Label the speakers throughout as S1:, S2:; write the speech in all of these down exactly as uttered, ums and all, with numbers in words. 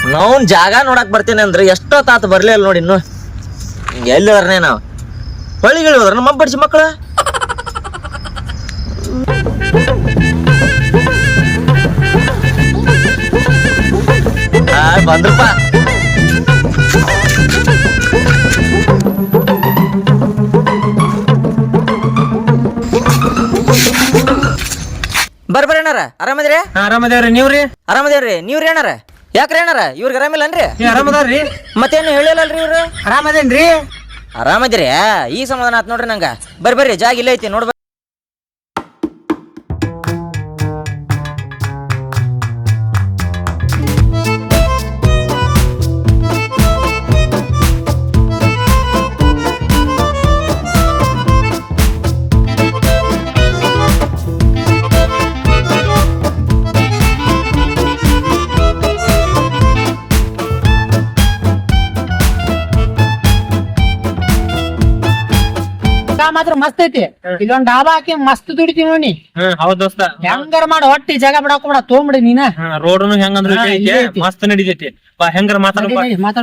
S1: ನಾವು ಜಾಗ ನೋಡಕ್ ಬರ್ತೀನಿ ಅಂದ್ರೆ ಎಷ್ಟೋ ತಾತ ಬರ್ಲೇ ಇಲ್ಲ ನೋಡಿ ಇನ್ನು ಎಲ್ಲಿದಾರನೇ ನಾವು ಹೊಳಿಗಳು ಹೋದ್ರ ನಮ್ಮ ಬಡ್ಸಿ ಮಕ್ಕಳ ಬಂದ್ರಪ್ಪ ಬರ್ಬರಿ ಅಣ್ಣಾರ ಆರಾಮದ್ರಿ?
S2: ಆರಾಮದೇವ್ರಿ. ನೀವ್ರಿ?
S1: ಆರಾಮದೇವ್ರಿ. ನೀವ್ರಿ ಅಣ್ಣಾರ? ಯಾಕ್ರಿ ಅಣ್ಣಾರ ಇವ್ರಿಗೆ ಆರಾಮಿಲ್ಲನ್ರಿ?
S2: ಆರಾಮದಾರ್ರಿ.
S1: ಮತ್ತೇನು ಹೇಳಿಲ್ಲಲ್ರಿ ಇವ್ರು?
S2: ಆರಾಮದೇನ್ರಿ.
S1: ಆರಾಮದ್ರಿ. ಈ ಸಮಾಧಾನ ಆತ್ ನೋಡ್ರಿ ನಂಗ. ಬರ್ರಿ ಬರ್ರಿ ಜಾಗ ಇಲ್ಲ ಐತಿ ನೋಡ್ಬ.
S3: ಮಾತ್ರ ಮಸ್ತ್ ಐತಿ. ಇಲ್ಲೊಂದ್ ಡಾಬಾ ಹಾಕಿ ಮಸ್ತ್ ದುಡಿತೀವಿ ನೋಡಿ.
S2: ಹೌದ್ ದೋಸ್ತ.
S3: ಹೆಂಗಾರ ಮಾಡಿ ಹೊಟ್ಟಿ ಜಾಗ ಬಿಡಾಕ ಬಿಡ ತೊಗೊಂಬಿಡಿ ನೀನ.
S2: ರೋಡ್ನು ಹೆಂಗಂದ್ರ ಮಸ್ತ್ ನಡಿತೈತಿ. ಬಾ ಹೆಂಗಾರ ಮಾತಾಡ
S3: ಮಾತಾಡ.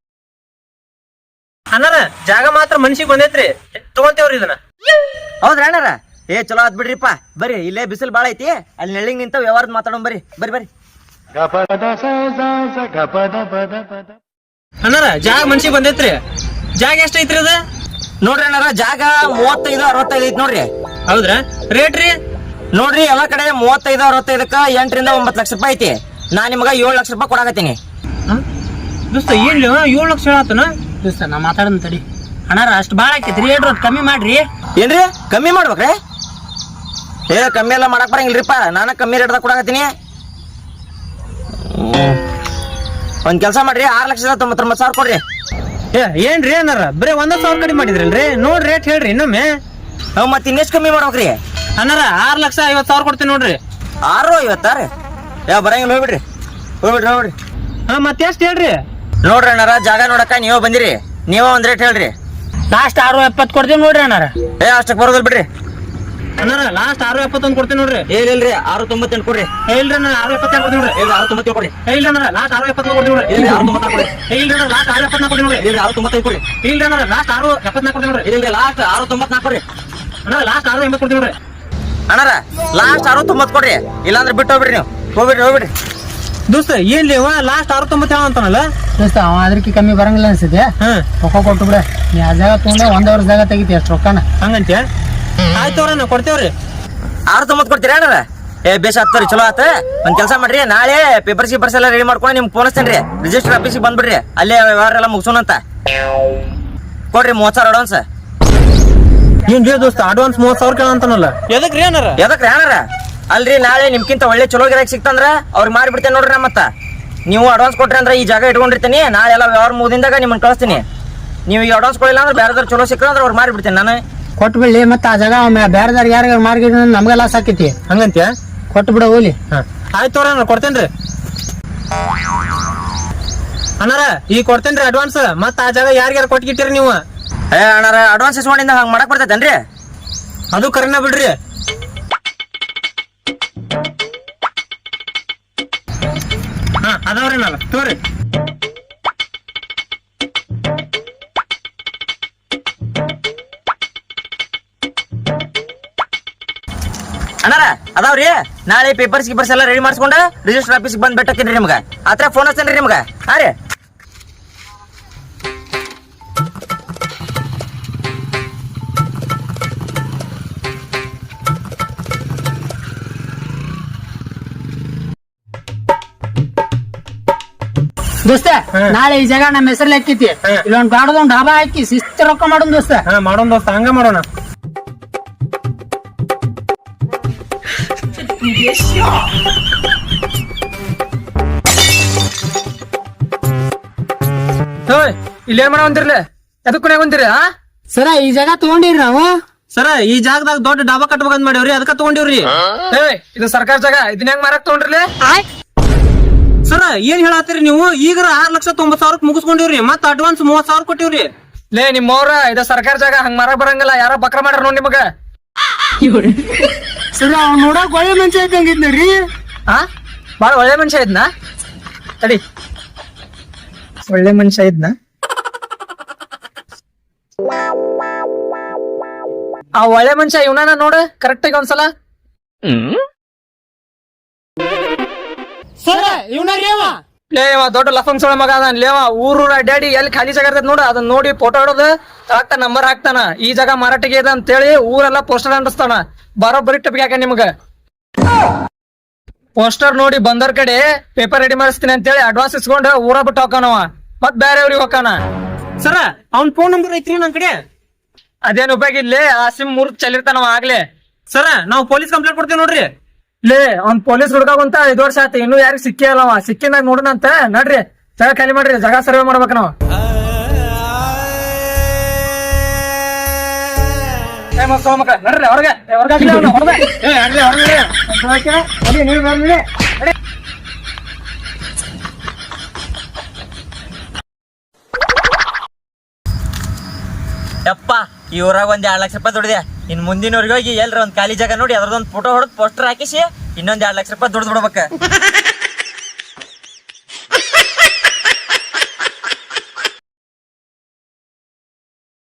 S2: ಅಣ್ಣಾರ ಜಾಗ ಮಾತ್ರ ಮನ್ಸಿಗೆ ಬಂದೈತ್ರಿ, ತಗೊಂತೇವ್ರಿ ಇದನ್ನ.
S1: ಹೌದ್ರಿ ಅಣ್ಣಾರ? ಏ ಚಲೋ ಆತ್ ಬಿಡ್ರಿಪ್ಪ. ಬರ್ರಿ ಇಲ್ಲೇ ಬಿಸಿಲು ಬಾಳ ಐತಿ, ಅಲ್ಲಿ ನೆಳ್ಳಿಗ್ ನಿಂತ ವ್ಯವಹಾರದ ಮಾತಾಡೋಣ. ಬರ್ರಿ ಬರ್ರಿ ಬರ್ರಿ.
S2: ಅಣ್ಣಾರ ಜಾಗ ಮನ್ಸಿಗೆ ಬಂದೈತ್ರಿ. ಜಾಗ ಎಷ್ಟ ಐತ್ರಿ ಅದ?
S1: ನೋಡ್ರಿ ಅಣ್ಣಾರ ಜಾಗ ಮೂವತ್ತೈದು ಅರವತ್ತೈದು ಐತಿ ನೋಡ್ರಿ.
S2: ಹೌದ್ರಾ? ರೇಟ್ ರೀ?
S1: ನೋಡ್ರಿ ಎಲ್ಲಾ ಕಡೆ ಮೂವತ್ತೈದು ಅರವತ್ತೈದಕ್ಕ ಎಂಟರಿಂದ ಒಂಬತ್ತು ಲಕ್ಷ ರೂಪಾಯಿ ಐತಿ. ನಾ ನಿಮ್ಗ ಏಳು ಲಕ್ಷ ರೂಪಾಯಿ ಕೊಡಾಕತ್ತೀನಿ.
S2: ದೋಸ್ತ ಏನ್ ಏಳು ಲಕ್ಷ ಹೇಳತ್ತನ?
S3: ದೋಸ್ತ ನಾ ಮಾತಾಡೋಣ ತಡಿ. ಅಣ್ಣಾರ ಅಷ್ಟ್ ಬಾಳ ಆಕೈತ್ರಿ, ಏನ್ರ ಕಮ್ಮಿ ಮಾಡ್ರಿ.
S1: ಏನ್ರಿ ಕಮ್ಮಿ ಮಾಡ್ಬೇಕ್ರಿ? ಏ ಕಮ್ಮಿ ಎಲ್ಲ ಮಾಡಕ್ ಬರಂಗಿಲ್ರಿಪ್ಪ, ನಾನ ಕಮ್ಮಿ ರೇಟ್ದಾಗ ಕೊಡಾಕತ್ತೀನಿ. ಒಂದ್ ಕೆಲ್ಸ ಮಾಡ್ರಿ, ಆರ್ ಲಕ್ಷದ ತೊಂಬತ್ತೊಂಬತ್ತು ಸಾವಿರ ಕೊಡ್ರಿ.
S2: ಏ ಏನ್ರಿ ಅಣ್ಣಾರ ಬರೀ ಒಂದ ಸಾವಿರ ಕಡಿಮೆ ಮಾಡಿದ್ರಲ್ರಿ? ನೋಡ್ ರೇಟ್ ಹೇಳ್ರಿ ಇನ್ನೊಮ್ಮೆ.
S1: ಅವ್ ಮತ್ ಇನ್ನೆಷ್ಟ್ ಕಮ್ಮಿ ಮಾಡ್ಬೇಕ್ರಿ?
S2: ಅಣ್ಣಾರ ಆರ್ ಲಕ್ಷ ಐವತ್ ಸಾವಿರ ಕೊಡ್ತೀನಿ ನೋಡ್ರಿ.
S1: ಆರು ಐವತ್ತಾರ? ಯಾವ ಬರಂಗಿಲ್ಲ, ಹೋಗ್ಬಿಡ್ರಿ ಹೋಗ್ಬಿಡ್ರಿ ಹೋಗ್ಬಿಡ್ರಿ.
S2: ಹಾ ಮತ್ತೆ ಎಷ್ಟ್ ಹೇಳ್ರಿ?
S1: ನೋಡ್ರಿ ಅಣ್ಣಾರ ಜಾಗ ನೋಡಕ ನೀವ ಬಂದಿರಿ, ನೀವ ಒಂದ್ ರೇಟ್ ಹೇಳ್ರಿ.
S3: ಲಾಸ್ಟ್ ಆರು ಎಪ್ಪತ್ ಕೊಡ್ತೀವಿ ನೋಡ್ರಿ ಅಣ್ಣಾರ.
S1: ಏ ಅಷ್ಟಕ್ ಬರೋದಿಲ್ಲ ಬಿಡ್ರಿ.
S2: ಅಣ್ಣಾರ ಲಾಸ್ಟ್ ಆರು ಎಪ್ಪತ್ತೊಂದು ಕೊಡ್ತೀನಿ ನೋಡ್ರಿ.
S1: ಏನಿಲ್ರಿ ಆರು ತೊಂಬತ್ತೆಂಟು ಕೊಡ್ರಿ.
S2: ಇಲ್ರಿ ಅಣ್ಣ ಆರು ಎಪ್ಪತ್ತೆಂಟು ಕೊಡ್ತೀನಿ ನೋಡ್ರಿ.
S1: ಆರು ತೊಂಬತ್ತೇಳು ಕೊಡ್ರಿ.
S2: ಇಲ್ರಿ ಅಣ್ಣ ಲಾಸ್ಟ್ ಆರು ಎಪ್ಪತ್ತು ಕೊಡ್ತೀನಿ ನೋಡ್ರಿ.
S1: ಇಲ್ರಿ ಆರು ತೊಂಬತ್ತಾರು ಕೊಡ್ರಿ.
S2: ಇಲ್ರಿ ಅಣ್ಣ ಲಾಸ್ಟ್ ಆರು ಎಪ್ಪತ್ನಾಲ್ಕು ಕೊಡ್ತೀನಿ ನೋಡ್ರಿ.
S1: ಇಲ್ರಿ ಆರು ತೊಂಬತ್ತೈದು ಕೊಡ್ರಿ.
S2: ಇಲ್ರಿ ಅಣ್ಣ ಲಾಸ್ಟ್ ಆರು ಎಪ್ಪತ್ನಾಲ್ಕು ಕೊಡ್ತೀನಿ ನೋಡ್ರಿ.
S1: ಇಲ್ರಿ ಲಾಸ್ಟ್ ಆರು ತೊಂಬತ್ನಾಲ್ಕು ಕೊಡ್ರಿ.
S2: ಅಣ್ಣ ಲಾಸ್ಟ್ ಆರು ಎಂಬತ್ತು ಕೊಡ್ತೀನಿ ನೋಡ್ರಿ.
S1: ಅಣ್ಣಾರ ಲಾಸ್ಟ್ ಆರು ತೊಂಬತ್ತು ಕೊಡ್ರಿ, ಇಲ್ಲಾಂದ್ರೆ ಬಿಟ್ಟು ಹೋಗ್ಬಿಡ್ರಿ. ನೀವು ಹೋಗ್ಬಿಡ್ರಿ ಹೋಗ್ಬಿಡ್ರಿ.
S2: ದೋಸ್ತ ಏನ್ಲಿ ಅವ ಲಾಸ್ಟ್ ಆರು ತೊಂಬತ್ತೇಳು ಅಂತಾನಲ್ಲ
S3: ದೋಸ್ತ, ಅವ ಅದಕ್ಕೆ ಕಮ್ಮಿ ಬರಂಗಿಲ್ಲ ಅನ್ಸುತ್ತೆ.
S2: ಹ್ಮ್
S3: ರೊಕ್ಕ ಕೊಟ್ಟು ಬಿಡ. ನೀ ಆ ಜಾಗ ತಗೊಂಡ ಒಂದ್ ವರ್ಷ ಜಾಗ ತೆಗಿತಿ ಅಷ್ಟು ರೊಕ್ಕನ.
S2: ಹಂಗಂತ ಆಯ್ತವ್ರ ಕೊಡ್ತೇವ್ರಿ.
S1: ಆರು ತೊಂಬತ್ತು ಕೊಡ್ತೀರಿ ಅಣ್ಣಾರ? ಏ ಬೇಸ್ ಆಗ್ತಾವ್ರಿ, ಚಲೋ ಆತ. ಒಂದ್ ಕೆಲಸ ಮಾಡ್ರಿ, ನಾಳೆ ಪೇಪರ್ಸ್ ಗೀಪರ್ಸ್ ಎಲ್ಲ ರೆಡಿ ಮಾಡ್ಕೊಂಡು ನಿಮ್ಗೆ ಫೋನ್ ಹಚ್ತೇನ್ರಿ. ರಿಜಿಸ್ಟರ್ ಆಫೀಸಿಗೆ ಬಂದ್ಬಿಡ್ರಿ, ಅಲ್ಲೇ ವ್ಯವಹಾರ ಎಲ್ಲ ಮುಗಿಸೋಣ ಅಂತ. ಕೊಡ್ರಿ ಮೂವತ್ ಸಾವಿರ ಅಡ್ವಾನ್ಸ್.
S2: ಏನ್ರಿ ದೋಸ್ತ ಅಡ್ವಾನ್ಸ್ ಮೂವತ್ ಸಾವಿರ ಕೇಳ ಅಂತಾನಲ್ಲ? ಎದಕ್ರಿ ಅಣ್ಣಾರ?
S1: ಎದಕ್ರಿ ಅಣ್ಣಾರ? ಅಲ್ರಿ ನಾಳೆ ನಿಮ್ಗಿಂತ ಒಳ್ಳೆ ಚಲೋ ಗಿರಾಕಿ ಸಿಕ್ತಂದ್ರ ಅವ್ರಿಗೆ ಮಾರಿಬಿಡ್ತೇನೆ ನೋಡ್ರಿ. ನಾ ಮತ್ತ ನೀವು ಅಡ್ವಾನ್ಸ್ ಕೊಟ್ರಿ ಅಂದ್ರೆ ಈ ಜಾಗ ಇಟ್ಕೊಂಡಿರ್ತೀನಿ, ನಾಳೆ ಎಲ್ಲ ವ್ಯವಹಾರ ಮುಗಿದಿಂದಾಗ ನಿಮ್ಮನ್ನ ಕಳಿಸ್ತೀನಿ. ನೀವು ಈ ಅಡ್ವಾನ್ಸ್ ಕೊಡಿಲ್ಲ ಅಂದ್ರೆ ಬೇರೆದಾರು ಚಲೋ ಸಿಕ್ಕ ಅಂದ್ರೆ ಅವ್ರು ಮಾರಿಬಿಡ್ತೇನೆ ನಾನು.
S3: ಕೊಟ್ಟು ಬಿಡ್ಲಿ, ಮತ್ತೆ ಆ ಜಾಗ ಬೇರೆದಾರ ಯಾರಿಗಾರ ಮಾರ್ಕೆಟ್ ನಮ್ಗೆ ಲಾಸ್ ಆಕೈತಿ.
S2: ಹಂಗಂತ
S3: ಕೊಟ್ಟು ಬಿಡ ಹೋಗ್ಲಿ.
S2: ಆಯ್ತವ್ರ ಅಣ್ಣ ಕೊಡ್ತೇನ್ರಿ. ಅಣ್ಣಾರ ಈಗ ಕೊಡ್ತೇನ್ರಿ ಅಡ್ವಾನ್ಸ್. ಮತ್ತ ಆ ಜಾಗ ಯಾರಿಗಾರ ಕೊಟ್ಗಿಟ್ಟಿರಿ ನೀವು?
S1: ಏ ಅಣ್ಣಾರ ಅಡ್ವಾನ್ಸ್ ಇಸ್ಕೊಂಡಿಂದ ಹಂಗೆ ಮಾಡಕ್ ಬರ್ತೈತೇನ್ರಿ?
S2: ಅದು ಕರೆನ ಬಿಡ್ರಿ. ಹಾ ಅದಾವ್ರಿ ನಾಲ್ ತೋರಿ.
S1: ಅಣ್ಣಾರ ಅದಾವ್ರಿ, ನಾಳೆ ಪೇಪರ್ಸ್ ಗೀಪರ್ಸ್ ಎಲ್ಲ ರೆಡಿ ಮಾಡಿಸ್ಕೊಂಡ ರಿಜಿಸ್ಟರ್ ಆಫೀಸ್ಗೆ ಬಂದ್ ಬೆಟ್ಟಕ್ಕೇನ್ರಿ ನಿಮ್ಗೆ. ಆತರ ಫೋನ್ ಹಚ್ತೇನ್ರಿ ನಿಮ್ಗೆ. ಹಾ ರೀ.
S3: ದೋಸ್ತ ನಾಳೆ ಈ ಜಾಗ ನಮ್ಮ ಹೆಸರಲ್ಲಿ ಹಾಕೈತಿ. ಇಲ್ಲೊಂದ್ ಗಾಡದೊಂದ್ ಡಾಬಾ ಹಾಕಿ ಶಿಸ್ತ ರೊಕ್ಕ ಮಾಡೋಣ ದೋಸ್ತ.
S2: ಹಾ ಮಾಡೋಣ ದೋಸ್ತ, ಹಂಗ ಮಾಡೋಣ. ಇಲ್ಲಿ ಏನ್ ಮಾಡಂತಿರ್ಲಿ? ಎದಕ್ ಕುಣ್ಯಾಗ ಬಂದಿರಿ? ಆ
S3: ಸರ ಈ ಜಾಗ ತಗೊಂಡಿರಿ ನಾವು.
S2: ಸರ ಈ ಜಾಗದಾಗ ದೊಡ್ಡ ಡಾಬಾ ಕಟ್ಬೇಕಂತ ಮಾಡೇವ್ರಿ, ಅದಕ್ಕ ತಗೊಂಡಿವ್ರಿ. ಇದು ಸರ್ಕಾರ ಜಾಗ, ಇದನ್ನ ಹೆಂಗ್ ಮಾರಕ್ ತಗೊಂಡ್ರಿ? ಸರ ಏನ್ ಹೇಳತ್ತೀರಿ ನೀವು? ಈಗ ಆರ್ ಲಕ್ಷ ತೊಂಬತ್ ಸಾವಿರಕ್ ಮುಗಿಸ್ಕೊಂಡಿವ್ರಿ, ಮತ್ತ ಅಡ್ವಾನ್ಸ್ ಮೂವತ್ ಸಾವಿರ ಕೊಟ್ಟಿವ್ರಿ. ಲೇ ನಿಮ್ಮವ್ರ ಇದು ಸರ್ಕಾರ ಜಾಗ, ಹಂಗ ಮಾರಕ್ ಬರಂಗಿಲ್ಲ. ಯಾರ ಬಕ್ರ ಮಾಡ್ರ ನೋಡಿ ನಿಮಗ.
S3: ಸರ ಅವ್ನು ನೋಡಕ್ ಒಳ್ಳೆ ಮನುಷ್ಯ ಇದ್ದಂಗಿದ್ರಿ.
S2: ಆ ಬಾಳ ಒಳ್ಳೆ ಮನುಷ್ಯ ಇದ್ನ ತಡಿ. ಒಳ್ಳೆ ಮನುಷ್ಯ ಇದ್ನ ಆ ಒಳ್ಳೆ ಮನುಷ್ಯ ಇವನ ನೋಡ ಕರೆಕ್ಟ್ ಆಗಿ ಒಂದ್ಸಲ
S3: ಸರ್ ಇವನ
S2: ಲೇವ ದೊಡ್ಡ ಲಫಂಗ್ ಸೊಳ ಮಗ ಅದಾನ ಲೇವ ಊರೂರ ಡ್ಯಾಡಿ ಎಲ್ಲಿ ಖಾಲಿ ಜಾಗ ಇರ್ತೈತಿ ನೋಡು ಅದನ್ನ ನೋಡಿ ಫೋಟೋ ಹೊಡೋದು ಆಗ್ತಾ ನಂಬರ್ ಹಾಕ್ತಾನ ಈ ಜಾಗ ಮಾರಾಟಕ್ಕೆ ಇದೆ ಅಂತೇಳಿ ಊರೆಲ್ಲ ಪೋಸ್ಟರ್ ಅಂಟಿಸ್ತಾನ ಬರೋಬ್ಬರಿ ಟಪಿಗೆ ಹಾಕ ನಿಮ್ಗ ಪೋಸ್ಟರ್ ನೋಡಿ ಬಂದವ್ರ ಕಡೆ ಪೇಪರ್ ರೆಡಿ ಮಾಡಿಸ್ತೀನಿ ಅಂತೇಳಿ ಅಡ್ವಾನ್ಸ್ ಇಸ್ಕೊಂಡು ಊರ ಬಿಟ್ಟು ಹೋಗ್ತಾನವ ಮತ್ ಬೇರೆಯವ್ರಿಗೆ ಹೋಗ್ತಾನ
S3: ಸರ ಅವ್ನ ಫೋನ್ ನಂಬರ್ ಐತ್ರಿ ನನ್ ಕಡೆ
S2: ಅದೇನ್ ಉಪಯೋಗ ಇಲ್ಲೇ ಆ ಸಿಮ್ ಮುರ್ದ್ ಚಲಿರ್ತಾನವ ಆಗ್ಲೇ
S3: ಸರ ನಾವು ಪೊಲೀಸ್ ಕಂಪ್ಲೇಂಟ್ ಕೊಡ್ತೇವೆ ನೋಡ್ರಿ
S2: ಲೇ ಅವ್ನ್ ಪೊಲೀಸ್ ಹುಡ್ಕಾಗಂತ ಐದ್ ವರ್ಷ ಆಯ್ತು ಇನ್ನೂ ಯಾರಿಗ್ ಸಿಕ್ಕೇ ಅಲ್ಲವ ಸಿಕ್ಕಿನಾಗ ನೋಡೋಣ ಅಂತ ನಡ್ರಿ ಜಾಗ ಖಾಲಿ ಮಾಡ್ರಿ ಜಾಗ ಸರ್ವೆ ಮಾಡ್ಬೇಕ ನಾವ್ ಮಕ್ಳ ನಡ್ರಿ ಹೊರಗೆ ಹೊರಗಾಗ್ಲಿ ಅವ್ನ ಹೊರಗೆ ನೀವು ಬರ್ಲಿ
S1: ಯಪ್ಪ ಈ ಊರಾಗ ಒಂದ್ ಎರಡ್ ಲಕ್ಷ ರೂಪಾಯಿ ದುಡ್ದೆ ಇನ್ ಮುಂದಿನವ್ರಿಗೆ ಹೋಗಿ ಎಲ್ರ ಒಂದ್ ಖಾಲಿ ಜಾಗ ನೋಡಿ ಅದ್ರದೊಂದ್ ಫೋಟೋ ಹೊಡೆದ್ ಪೋಸ್ಟರ್ ಹಾಕಿಸಿ ಇನ್ನೊಂದ್ ಎರಡ್ ಲಕ್ಷ ರೂಪಾಯಿ ದುಡ್ದು ಬಿಡ್ಬೇಕ